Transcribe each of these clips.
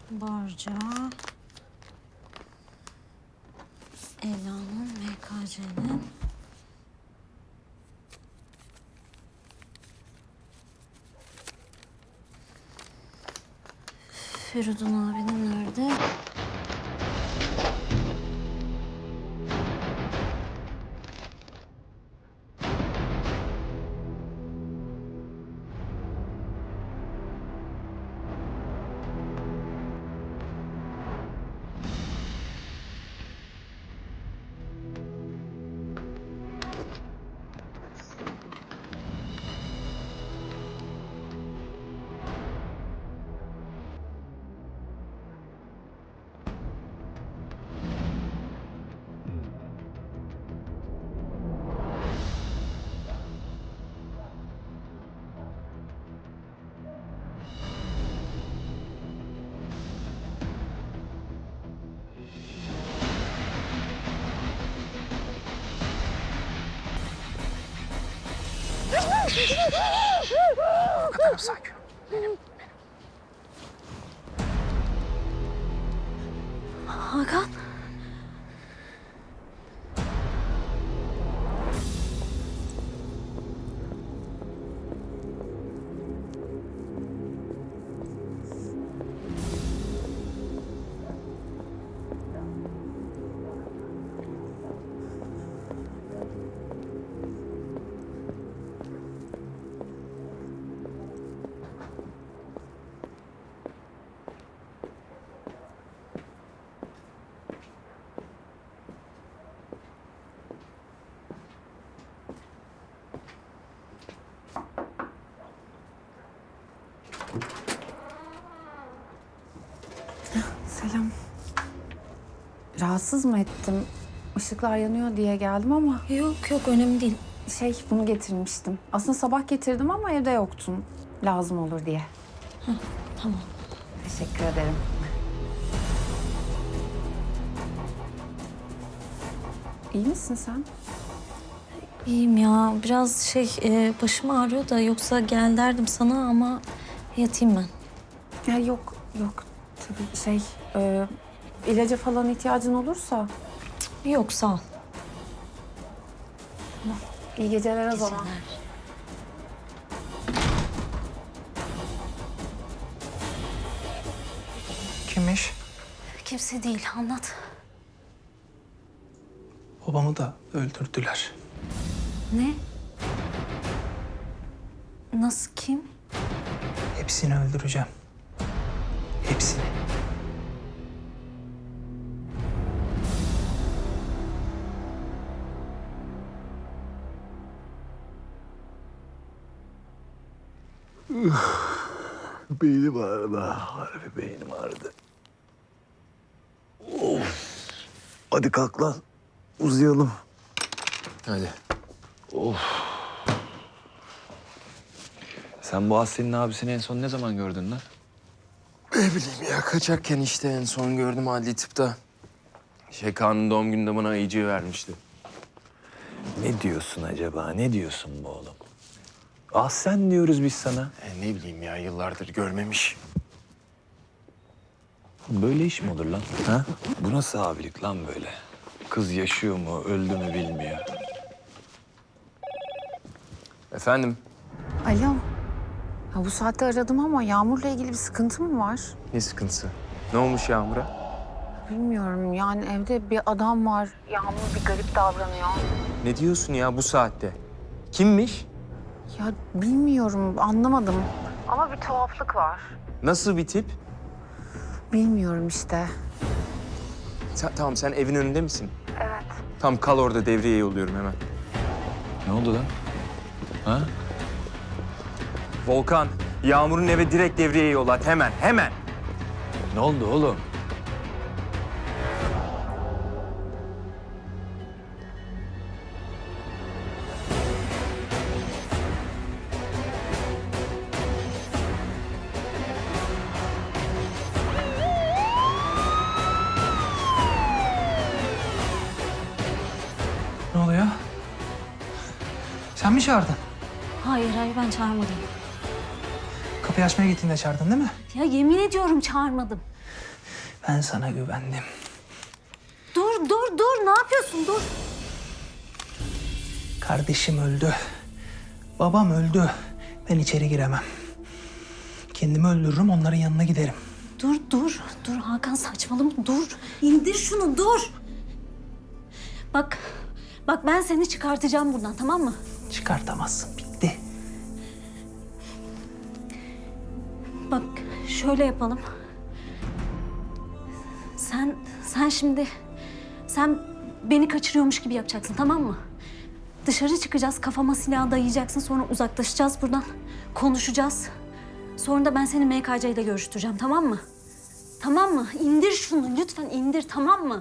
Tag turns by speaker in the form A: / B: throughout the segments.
A: Barca. Ela'nın, MKC'nin. Feridun abinin nerede?
B: Tamam, sakin ol.
A: Hakan.
B: Selam. Rahatsız mı ettim? Işıklar yanıyor diye geldim ama
A: Yok önemli değil.
B: bunu getirmiştim. Aslında sabah getirdim ama evde yoktun. Lazım olur diye.
A: Tamam.
B: Teşekkür ederim. İyi misin sen?
A: İyiyim ya. Biraz başım ağrıyor da yoksa gel derdim sana ama yatayım ben.
B: Ya yok. Tabii ilaca falan ihtiyacın olursa
A: Yok sağ ol.
B: iyi geceler o zaman.
A: Geceler.
C: Kimmiş?
A: Kimse değil anlat.
C: Babamı da öldürdüler.
A: Ne? Nasıl kim?
C: Hepsini öldüreceğim. Hepsini.
D: Beynim ağrıdı. Harbi beynim ağrıdı. Of. Hadi kalk lan. Uzayalım.
E: Hadi.
D: Sen bu Aslı'nın abisini en son ne zaman gördün lan?
E: Ne bileyim ya, kaçakken işte en son gördüm adli tıpta. Kaan'ın doğum gününde bana ayıcığı vermişti.
D: Ne diyorsun acaba? Ne diyorsun bu oğlum? Ah sen diyoruz biz sana.
E: Ne bileyim ya, yıllardır görmemiş.
D: Böyle iş mi olur lan? Ha? Bu nasıl abilik lan böyle? Kız yaşıyor mu, öldü mü bilmiyor.
E: Efendim?
B: Alo. Ha, bu saatte aradım ama Yağmur'la ilgili bir sıkıntı mı var?
E: Ne sıkıntısı? Ne olmuş Yağmur'a?
B: Bilmiyorum yani evde bir adam var. Yağmur bir garip davranıyor.
E: Ne diyorsun ya bu saatte? Kimmiş?
B: Ya bilmiyorum anlamadım. Ama bir tuhaflık var.
E: Nasıl bir tip?
B: Bilmiyorum işte.
E: Tamam, sen evin önünde misin?
B: Evet.
E: Tamam, kal orada, devreye yolluyorum hemen.
D: Ne oldu lan? Ha?
E: Volkan, Yağmur'un eve direkt devreye yollat, hemen.
D: Ne oldu oğlum?
C: Ne oluyor? Sen mi çağırdın?
A: Hayır ben çağırmadım.
C: Kapı Kapıyı açmaya gittiğinde çağırdın değil mi?
A: Ya yemin ediyorum çağırmadım.
C: Ben sana güvendim.
A: Dur. Ne yapıyorsun? Dur.
C: Kardeşim öldü. Babam öldü. Ben içeri giremem. Kendimi öldürürüm, onların yanına giderim.
A: Dur Hakan saçmalama dur. İndir şunu dur. Bak ben seni çıkartacağım buradan tamam mı?
C: Çıkartamazsın, bitti.
A: Bak şöyle yapalım. Sen beni kaçırıyormuş gibi yapacaksın tamam mı? Dışarı çıkacağız, kafama silah dayayacaksın, sonra uzaklaşacağız buradan. Konuşacağız. Sonra da ben seni MKC ile görüştüreceğim tamam mı? Tamam mı? İndir şunu lütfen indir tamam mı?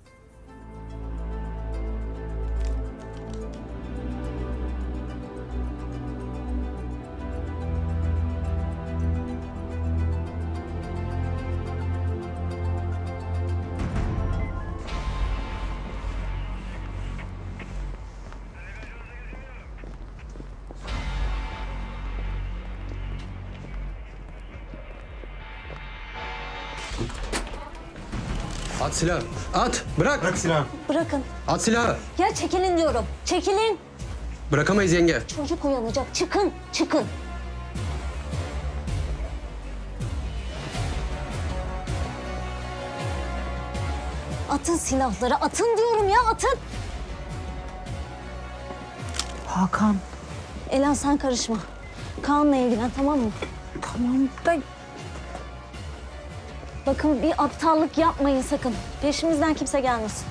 F: At silahı. At. Bırak. Bırak silahı.
A: Bırakın.
F: At silahı.
A: Ya çekilin diyorum. Çekilin.
F: Bırakamayız yenge.
A: Çocuk uyanacak. Çıkın. Atın silahları. Atın diyorum ya atın.
B: Hakan.
A: Ela sen karışma. Kaan'la ilgilen tamam mı?
B: Tamam da
A: Bakın bir aptallık yapmayın sakın. Peşimizden kimse gelmesin.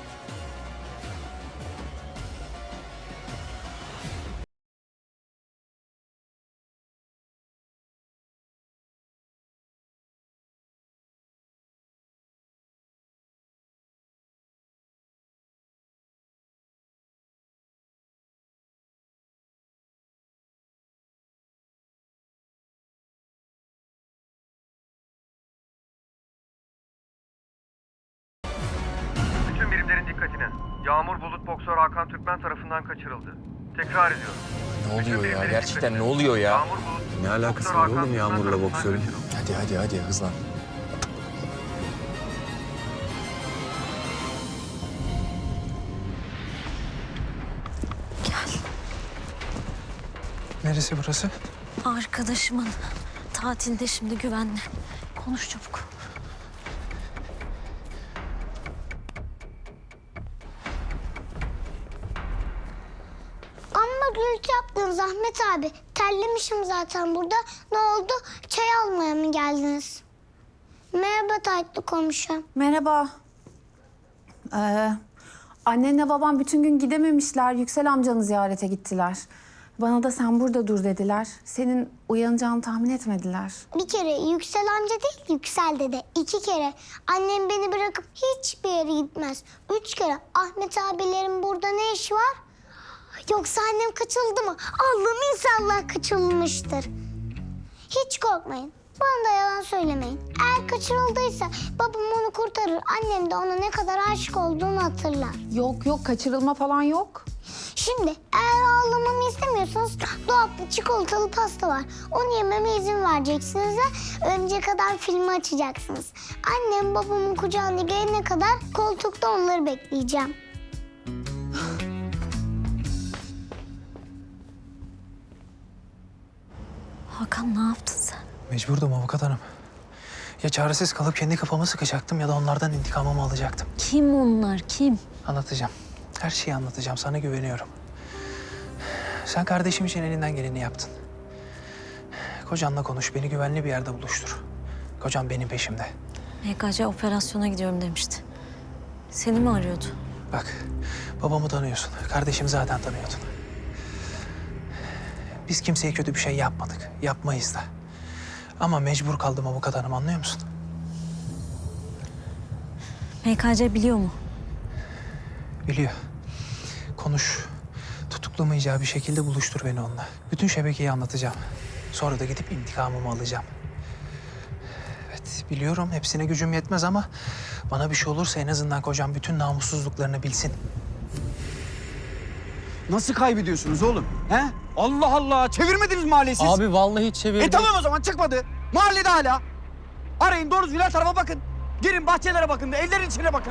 G: Bütün birimlerin dikkatine. Yağmur Bulut boksör Hakan Türkmen tarafından kaçırıldı. Tekrar ediyorum.
E: Ne oluyor ya?
G: Birimlerin
E: Gerçekten ne
G: dikkatine.
E: oluyor ya?
G: Yağmur Bulut
D: Ne alakası
G: boksör
D: var
G: Hakan
D: oğlum
G: Türkmen
D: Yağmur'la
G: tarafından
D: boksörün?
G: kaçırıldı.
E: Hadi hızlan.
A: Gel.
C: Neresi burası?
A: Arkadaşımın tatilde şimdi güvenli. Konuş çabuk.
H: Amma gürültü yaptınız Ahmet abi. Terlemişim zaten burada. Ne oldu? Çay almaya mı geldiniz? Merhaba Taytlı komşum.
B: merhaba. Annenle babam bütün gün gidememişler. Yüksel amcanı ziyarete gittiler. Bana da sen burada dur dediler. Senin uyanacağını tahmin etmediler.
H: Bir kere Yüksel amca değil Yüksel dede. 2 kere. Annem beni bırakıp hiçbir yere gitmez. 3 kere. Ahmet abilerin burada ne işi var? Yoksa annem kaçıldı mı? Allah'ım inşallah kaçılmıştır. Hiç korkmayın. Bana da yalan söylemeyin. Eğer kaçırıldıysa babam onu kurtarır. Annem de ona ne kadar aşık olduğunu hatırlar.
B: Yok kaçırılma falan yok.
H: Şimdi eğer ağlamamı istemiyorsanız dolapta çikolatalı pasta var. Onu yememe izin vereceksiniz ve önce kadar filmi açacaksınız. Annem babamın kucağına gelene kadar koltukta onları bekleyeceğim.
A: Hakan ne yaptın sen?
C: Mecburdum avukat hanım. Ya çaresiz kalıp kendi kafamı sıkacaktım ya da onlardan intikamımı alacaktım.
A: Kim onlar kim?
C: Anlatacağım. Her şeyi anlatacağım. Sana güveniyorum. Sen kardeşim için elinden geleni yaptın. Kocanla konuş. Beni güvenli bir yerde buluştur. Kocam benim peşimde.
A: MKC operasyona gidiyorum demişti. Seni mi arıyordu?
C: Bak, babamı tanıyorsun. Kardeşimi zaten tanıyordun. Biz kimseye kötü bir şey yapmadık. Yapmayız da. Ama mecbur kaldım avukat hanım, anlıyor musun?
A: MKC biliyor mu?
C: Biliyor. Konuş. Tutuklamayacağı bir şekilde buluştur beni onunla. Bütün şebekeyi anlatacağım. Sonra da gidip intikamımı alacağım. Evet, biliyorum hepsine gücüm yetmez ama bana bir şey olursa en azından kocam bütün namussuzluklarını bilsin.
I: Nasıl kaybediyorsunuz oğlum? He? Allah Allah, çevirmediniz mahalleyi siz.
F: Abi vallahi çevirdim.
I: Tamam o zaman çıkmadı. Mahallede hala. Arayın doğru düzgün her tarafa bakın. Girin bahçelere bakın, evlerin içine bakın.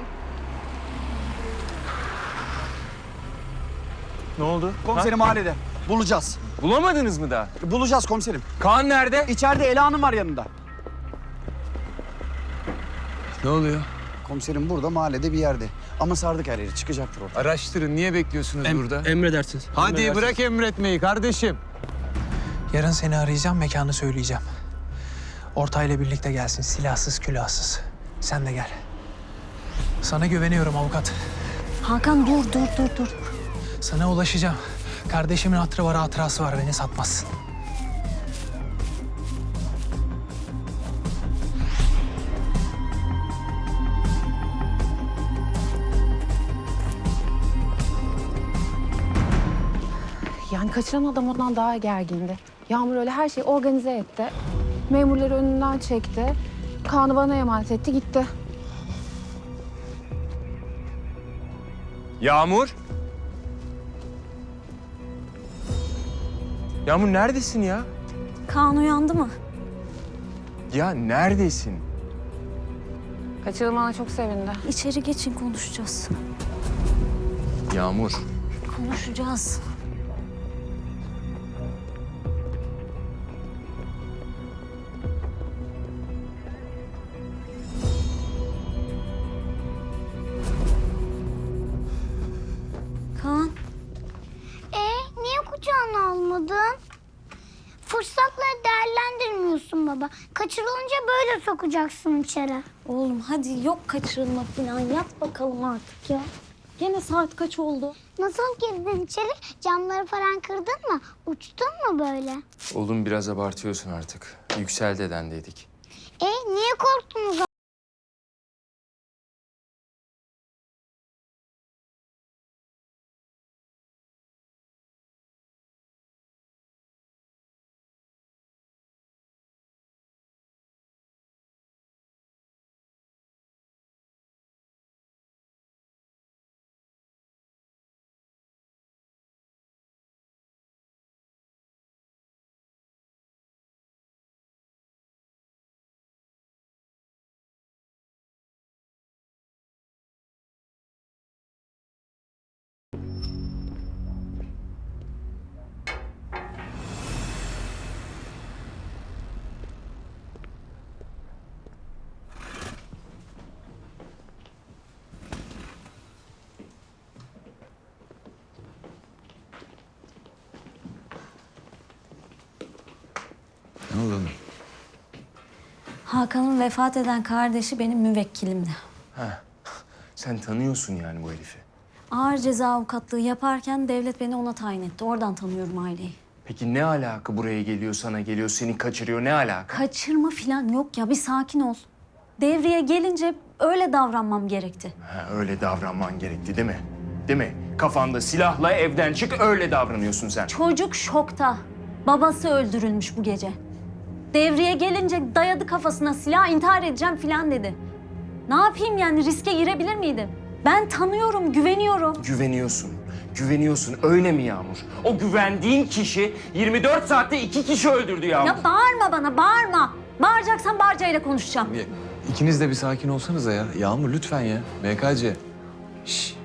E: Ne oldu?
I: Komiserim mahallede. Bulacağız.
E: Bulamadınız mı daha?
I: Bulacağız komiserim.
E: Kaan nerede?
I: İçeride Ela Hanım var yanında.
D: Ne oluyor?
I: Komiserim burada mahallede bir yerde. Ama sardık her yeri, çıkacaktır orada.
D: Araştırın. Niye bekliyorsunuz burada?
F: Emredersiniz.
D: Hadi
F: Emredersiniz.
D: bırak emretmeyi kardeşim.
C: Yarın seni arayacağım, mekanı söyleyeceğim. Ortayla birlikte gelsin, silahsız, külahsız. Sen de gel. Sana güveniyorum avukat.
A: Hakan dur.
C: Sana ulaşacağım. Kardeşimin hatırı var, hatırası var. Beni satmazsın.
B: Yani kaçıran adam ondan daha gergindi. Yağmur öyle her şeyi organize etti. Memurları önünden çekti. Kaan'ı bana emanet etti, gitti.
E: Yağmur. Yağmur neredesin ya?
A: Kaan uyandı mı?
E: Ya neredesin?
B: Kaçırılmana çok sevindi.
A: İçeri geçin, konuşacağız.
E: Yağmur.
A: Konuşacağız. Kaan,
H: Niye kucağına almadın? Fırsatları değerlendirmiyorsun baba. Kaçırılınca böyle sokacaksın içeri.
A: oğlum hadi, yok kaçırılma falan. Yat bakalım artık ya. Gene saat kaç oldu?
H: Nasıl girdin içeri? Camları falan kırdın mı? Uçtun mu böyle?
E: Oğlum biraz abartıyorsun artık. Yüksel dedendeydik.
H: Niye korktunuz?
D: Ne oldu?
A: Hakan'ın vefat eden kardeşi benim müvekkilimdi.
E: Sen tanıyorsun yani bu herifi.
A: Ağır ceza avukatlığı yaparken devlet beni ona tayin etti. Oradan tanıyorum aileyi.
E: Peki ne alaka buraya geliyor, sana geliyor, seni kaçırıyor, ne alaka?
A: Kaçırma falan yok ya, bir sakin ol. Devreye gelince öyle davranmam gerekti.
E: Öyle davranman gerekti değil mi? Değil mi? Kafanda silahla evden çık, öyle davranıyorsun sen.
A: Çocuk şokta. Babası öldürülmüş bu gece. Devreye gelince dayadı kafasına silah, intihar edeceğim falan dedi. Ne yapayım yani, riske girebilir miydim? Ben tanıyorum, güveniyorum.
E: Güveniyorsun öyle mi Yağmur? O güvendiğin kişi 24 saatte 2 kişi öldürdü Yağmur.
A: Ya bağırma bana, bağırma. Bağıracaksan Barca'yla konuşacağım.
D: İkiniz de bir sakin olsanıza ya. Yağmur lütfen ya. MKC. Şş.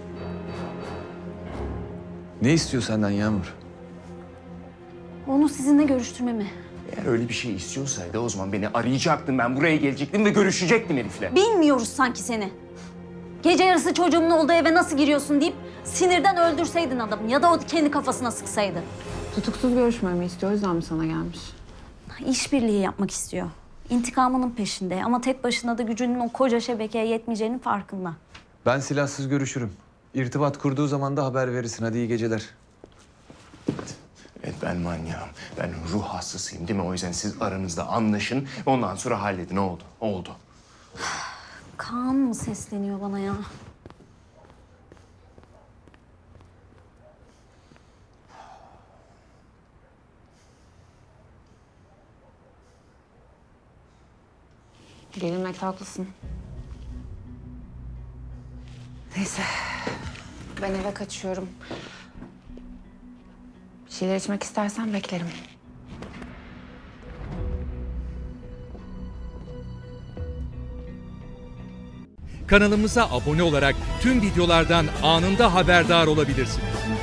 D: Ne istiyor senden Yağmur?
A: Onu sizinle görüştürmemi.
E: Eğer öyle bir şey istiyorsaydı o zaman beni arayacaktın, ben buraya gelecektim ve görüşecektim herifle.
A: Bilmiyoruz sanki seni. Gece yarısı çocuğumun olduğu eve nasıl giriyorsun deyip sinirden öldürseydin adamı ya da o kendi kafasına sıksaydı.
B: Tutuksuz görüşmemi istiyor, o yüzden mi sana gelmiş?
A: İşbirliği yapmak istiyor. İntikamının peşinde ama tek başına da gücünün o koca şebekeye yetmeyeceğinin farkında.
D: Ben silahsız görüşürüm. İrtibat kurduğu zaman da haber verirsin. Hadi iyi geceler.
E: Evet ben manyağım, ben ruh hastasıyım değil mi? O yüzden siz aranızda anlaşın, ondan sonra halledin. Oldu, oldu.
A: Kaan mı sesleniyor bana ya?
B: Gelinmekte haklısın. Neyse, ben eve kaçıyorum. şeyler içmek istersen beklerim.
J: Kanalımıza abone olarak tüm videolardan anında haberdar olabilirsiniz.